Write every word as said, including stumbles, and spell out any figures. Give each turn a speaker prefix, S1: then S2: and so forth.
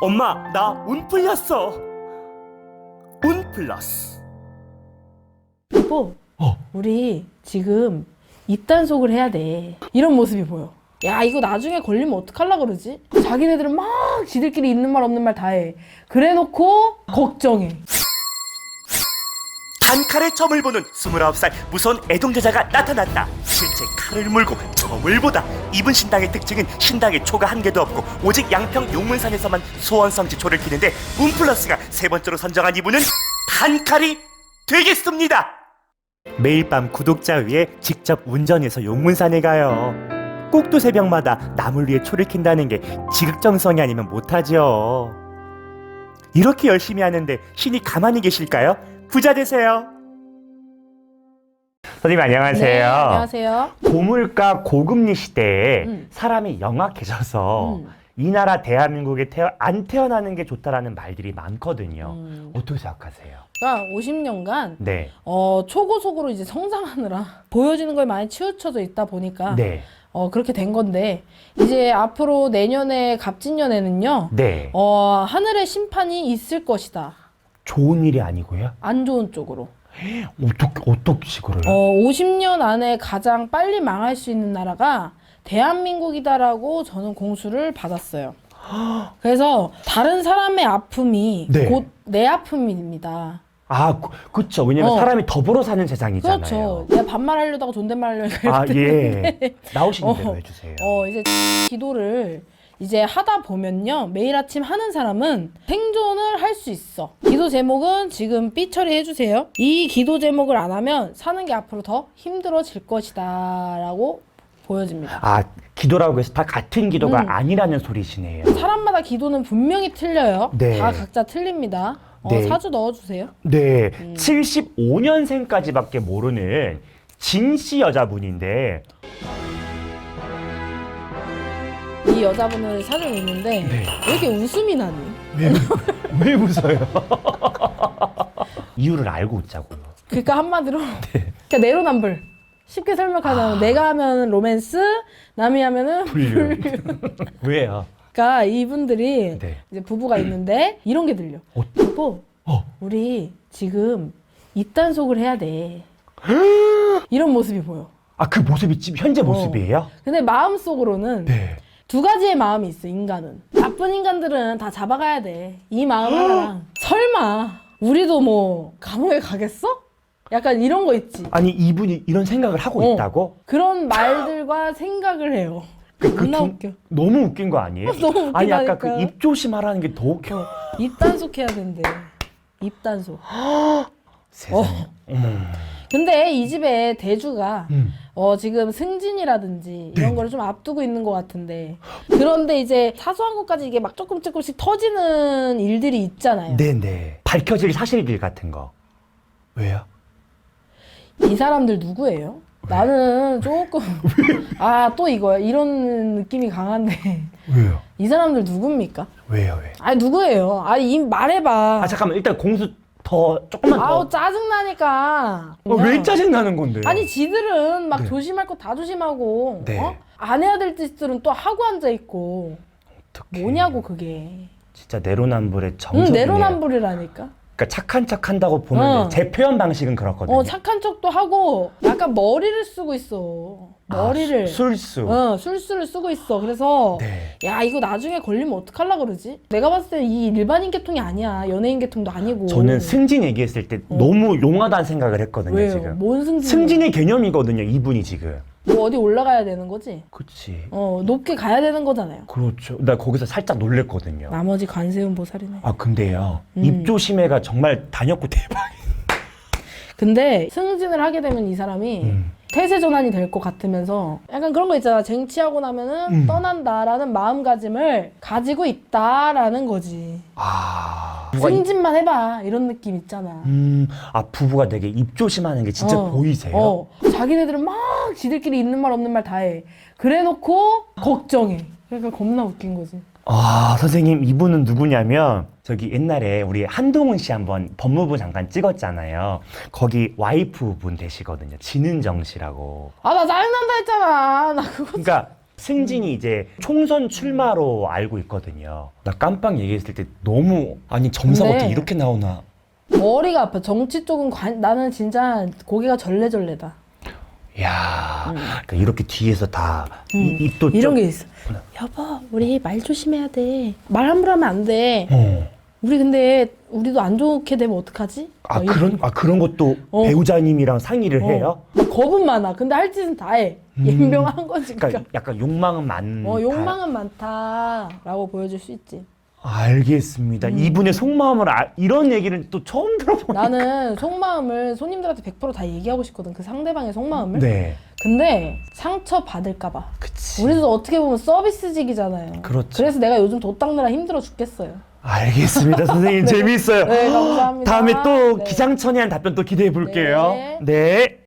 S1: 엄마, 나 운 풀렸어. 운 플러스.
S2: 여보,
S1: 어.
S2: 우리 지금 입단속을 해야 돼. 이런 모습이 보여. 야, 이거 나중에 걸리면 어떡하려고 그러지? 자기네들은 막 지들끼리 있는 말 없는 말 다 해. 그래놓고 걱정해.
S1: 단칼에 점을 보는 스물아홉 살 무서운 애동자자가 나타났다. 실제 칼을 물고 점을 보다. 이분 신당의 특징은 신당에 초가 한 개도 없고 오직 양평 용문산에서만 소원성지초를 키는데 운플러스가 세 번째로 선정한 이분은 단칼이 되겠습니다. 매일 밤 구독자 위에 직접 운전해서 용문산에 가요. 꼭두 새벽마다 나물 위에 초를 킨다는 게 지극정성이 아니면 못하죠. 이렇게 열심히 하는데 신이 가만히 계실까요? 부자 되세요. 선생님 안녕하세요.
S2: 네, 안녕하세요.
S1: 고물가 고금리 시대에
S2: 음.
S1: 사람이 영악해져서
S2: 음.
S1: 이 나라 대한민국에 태어, 안 태어나는 게 좋다라는 말들이 많거든요.
S2: 음.
S1: 어떻게 생각하세요?
S2: 그러니까 오십 년간
S1: 네.
S2: 어, 초고속으로 이제 성장하느라 보여지는 거에 많이 치우쳐져 있다 보니까
S1: 네.
S2: 어, 그렇게 된 건데 이제 앞으로 내년에 갑진년에는요.
S1: 네.
S2: 어, 하늘의 심판이 있을 것이다.
S1: 좋은 일이 아니고요?
S2: 안 좋은 쪽으로.
S1: 어떻게, 어떻게 식으로요?
S2: 어, 오십 년 안에 가장 빨리 망할 수 있는 나라가 대한민국이다라고 저는 공수를 받았어요. 그래서 다른 사람의 아픔이
S1: 네.
S2: 곧 내 아픔입니다.
S1: 아, 그, 그쵸. 왜냐면
S2: 어.
S1: 사람이 더불어 사는 세상이잖아요.
S2: 그렇죠. 내가 반말하려다가 존댓말하려다가
S1: 아, 예. 나오시는
S2: 어.
S1: 대로 해주세요.
S2: 어, 이제 기도를 이제 하다 보면요. 매일 아침 하는 사람은 생존을 할 수 있어. 기도 제목은 지금 삐 처리해주세요. 이 기도 제목을 안 하면 사는 게 앞으로 더 힘들어질 것이다 라고 보여집니다.
S1: 아, 기도라고 해서 다 같은 기도가
S2: 음.
S1: 아니라는 소리시네요.
S2: 사람마다 기도는 분명히 틀려요.
S1: 네.
S2: 다 각자 틀립니다. 어,
S1: 네.
S2: 사주 넣어주세요.
S1: 네,
S2: 음.
S1: 칠십오 년생까지밖에 모르는 진씨 여자분인데
S2: 이 여자분을 사주는 있는데
S1: 네.
S2: 왜 이렇게 웃음이 나니?
S1: 왜, 왜 웃어요? 이유를 알고 웃자고요.
S2: 그러니까 한마디로
S1: 네.
S2: 그러니까 내로남불. 쉽게 설명하자면
S1: 아.
S2: 내가 하면 로맨스, 남이 하면은
S1: 불륜. 왜요?
S2: 그러니까 이분들이
S1: 네.
S2: 이제 부부가 있는데 이런 게 들려.
S1: 어.
S2: 여보,
S1: 어.
S2: 우리 지금 입단속을 해야 돼. 이런 모습이 보여.
S1: 아, 그 모습이 지금 현재 모습이에요?
S2: 근데 마음속으로는
S1: 네.
S2: 두 가지의 마음이 있어, 인간은. 나쁜 인간들은 다 잡아가야 돼. 이 마음 하나랑. 설마, 우리도 뭐, 감옥에 가겠어? 약간 이런 거 있지.
S1: 아니, 이분이 이런 생각을 하고
S2: 어.
S1: 있다고?
S2: 그런 말들과 생각을 해요.
S1: 그, 그
S2: 존나
S1: 두-
S2: 웃겨.
S1: 너무 웃긴 거 아니에요?
S2: 너무
S1: 아니, 아까 그
S2: 웃기다니까.
S1: 입 조심하라는 게 더 웃겨.
S2: 입단속 해야 된대. 입단속.
S1: 세상에. 어머.
S2: 근데 이 집에 대주가
S1: 음.
S2: 어, 지금 승진이라든지 이런
S1: 네.
S2: 거를 좀 앞두고 있는 것 같은데 그런데 이제 사소한 것까지 이게 막 조금 조금씩 터지는 일들이 있잖아요.
S1: 네네. 밝혀질 사실들 같은 거. 왜요?
S2: 이 사람들 누구예요? 나는 조금 아, 또 이거야. 이런 느낌이 강한데
S1: 왜요?
S2: 이 사람들 누굽니까?
S1: 왜요, 왜?
S2: 아니 누구예요? 아니 이 말해봐.
S1: 아, 잠깐만. 일단 공수 더, 조금만 더.
S2: 아우 짜증나니까.
S1: 어, 왜 짜증나는 건데?
S2: 아니 지들은 막
S1: 네.
S2: 조심할 거 다 조심하고
S1: 네.
S2: 어? 안 해야 될 짓들은 또 하고 앉아 있고
S1: 어떡해.
S2: 뭐냐고 그게.
S1: 진짜 내로남불의
S2: 응,
S1: 정석이네요.
S2: 내로남불이라니까.
S1: 그러니까 착한 척 한다고 보면
S2: 어.
S1: 제 표현 방식은 그렇거든요.
S2: 어, 착한 척도 하고 약간 머리를 쓰고 있어. 머리를.
S1: 아, 수- 술수.
S2: 어, 술수를 쓰고 있어. 그래서
S1: 네.
S2: 야, 이거 나중에 걸리면 어떡하려고 그러지? 내가 봤을 때 이 일반인 계통이 아니야. 연예인 계통도 아니고.
S1: 저는 승진 얘기했을 때
S2: 어.
S1: 너무 용하다는 생각을 했거든요,
S2: 왜요?
S1: 지금.
S2: 뭔 승진?
S1: 승진의 개념이거든요, 이분이 지금.
S2: 뭐 어디 올라가야 되는 거지?
S1: 그치.
S2: 어, 높게 가야 되는 거잖아요.
S1: 그렇죠. 나 거기서 살짝 놀랬거든요.
S2: 나머지 관세음 보살이네.
S1: 아, 근데요.
S2: 음.
S1: 입조심해가 정말 단역고 대박.
S2: 근데 승진을 하게 되면 이 사람이
S1: 음.
S2: 태세 전환이 될 것 같으면서 약간 그런 거 있잖아. 쟁취하고 나면은
S1: 음.
S2: 떠난다라는 마음가짐을 가지고 있다라는 거지.
S1: 아. 부부가 이-
S2: 승진만 해봐 이런 느낌 있잖아.
S1: 음, 아, 부부가 되게 입조심하는 게 진짜
S2: 어,
S1: 보이세요?
S2: 어. 자기네들은 막 지들끼리 있는 말 없는 말 다 해. 그래놓고 걱정해. 그러니까 겁나 웃긴 거지.
S1: 아, 선생님, 이분은 누구냐면 저기 옛날에 우리 한동훈 씨 한번 법무부 장관 찍었잖아요. 거기 와이프 분 되시거든요. 진은정 씨라고.
S2: 아, 나 짜증난다 했잖아. 나 그거.
S1: 그러니까
S3: 승진이 이제 총선 출마로 알고 있거든요. 나 깜빡 얘기했을 때 너무 아니 점사가
S2: 근데
S3: 어떻게 이렇게 나오나.
S2: 머리가 아파. 정치 쪽은 관, 나는 진짜 고개가 절레절레다.
S3: 야, 그러니까 이렇게 뒤에서 다
S2: 음.
S3: 이- 입도
S2: 이런
S3: 좀-
S2: 게 있어. 여보, 우리 말 조심해야 돼. 말 함부로 하면 안 돼.
S3: 어.
S2: 우리 근데 우리도 안 좋게 되면 어떡하지?
S3: 아
S2: 막 이런-
S3: 그런 아 그런 것도
S2: 어.
S3: 배우자님이랑 상의를
S2: 어.
S3: 해요.
S2: 막 겁은 많아. 근데 할 짓은 다 해.
S3: 음.
S2: 연명한 거지.
S3: 그러니까
S2: 그러니까.
S3: 약간 욕망은 많.
S2: 어, 욕망은 많다라고 보여줄 수 있지.
S3: 알겠습니다.
S2: 음.
S3: 이분의 속마음을 아, 이런 얘기는 또 처음 들어보니까.
S2: 나는 속마음을 손님들한테 백 퍼센트 다 얘기하고 싶거든. 그 상대방의 속마음을.
S3: 네,
S2: 근데 상처 받을까봐.
S3: 그치.
S2: 우리도 어떻게 보면 서비스직이잖아요.
S3: 그렇죠.
S2: 그래서 내가 요즘 돈 닦느라 힘들어 죽겠어요.
S3: 알겠습니다, 선생님. 재미있어요.
S2: 네, 감사합니다.
S3: 다음에 또
S2: 네.
S3: 기상천외한 답변 또 기대해 볼게요.
S2: 네.
S3: 네.